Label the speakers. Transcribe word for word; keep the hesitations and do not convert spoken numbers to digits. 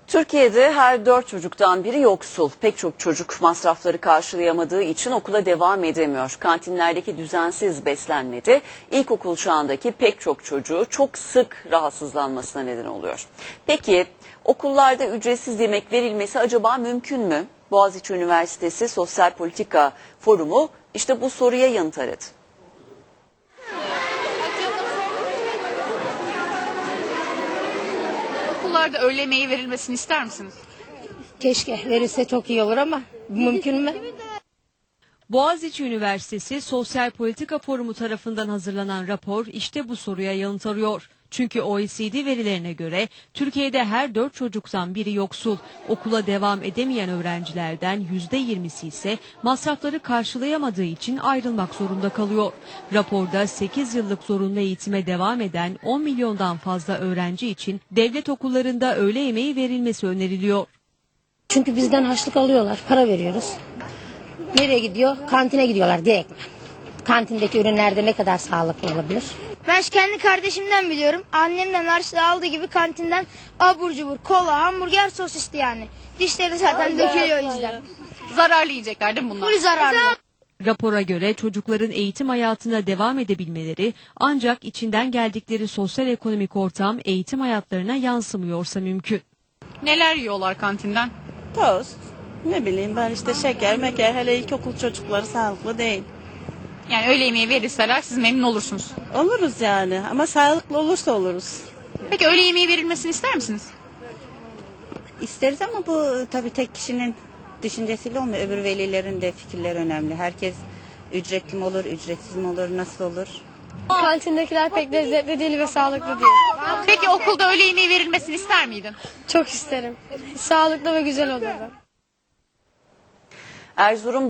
Speaker 1: Türkiye'de her dört çocuktan biri yoksul. Pek çok çocuk masrafları karşılayamadığı için okula devam edemiyor. Kantinlerdeki düzensiz beslenme de ilkokul çağındaki pek çok çocuğu çok sık rahatsızlanmasına neden oluyor. Peki okullarda ücretsiz yemek verilmesi acaba mümkün mü? Boğaziçi Üniversitesi Sosyal Politika Forumu işte bu soruya yanıt aradı.
Speaker 2: Okullarda öğle yemeği verilmesini ister misiniz?
Speaker 3: Keşke verirse çok iyi olur ama mümkün mü?
Speaker 4: Boğaziçi Üniversitesi Sosyal Politika Forumu tarafından hazırlanan rapor işte bu soruya yanıt arıyor. Çünkü O E C D verilerine göre Türkiye'de her dört çocuktan biri yoksul. Okula devam edemeyen öğrencilerden yüzde yirmisi ise masrafları karşılayamadığı için ayrılmak zorunda kalıyor. Raporda sekiz yıllık zorunlu eğitime devam eden on milyondan fazla öğrenci için devlet okullarında öğle yemeği verilmesi öneriliyor.
Speaker 3: Çünkü bizden harçlık alıyorlar, para veriyoruz. Nereye gidiyor? Kantine gidiyorlar direkt. Kantindeki ürünlerde ne kadar sağlıklı olabilir?
Speaker 5: Ben kendi kardeşimden biliyorum. Annemden harçlığı aldığı gibi kantinden abur cubur, kola, hamburger, sosisli yani. Dişleri zaten dökülüyor o yüzden.
Speaker 2: Zararlı yiyecekler değil mi bunlar?
Speaker 5: Full zararlı.
Speaker 4: Rapora göre çocukların eğitim hayatına devam edebilmeleri ancak içinden geldikleri sosyal ekonomik ortam eğitim hayatlarına yansımıyorsa mümkün.
Speaker 2: Neler yiyorlar kantinden?
Speaker 6: Tost, ne bileyim ben işte şeker, meker, hele ilkokul çocukları sağlıklı değil.
Speaker 2: Yani öğle yemeği verirseler siz memnun olursunuz.
Speaker 6: Oluruz yani ama sağlıklı olursa oluruz.
Speaker 2: Peki öğle yemeği verilmesini ister misiniz?
Speaker 7: İsteriz ama bu tabii tek kişinin düşüncesiyle olmuyor. Öbür velilerin de fikirleri önemli. Herkes ücretli mi olur, ücretsiz mi olur, nasıl olur?
Speaker 5: Kantindekiler pek lezzetli değil ve sağlıklı değil.
Speaker 2: Peki okulda öğle yemeği verilmesini ister miydin?
Speaker 5: Çok isterim. Sağlıklı ve güzel olurdu.
Speaker 1: Erzurum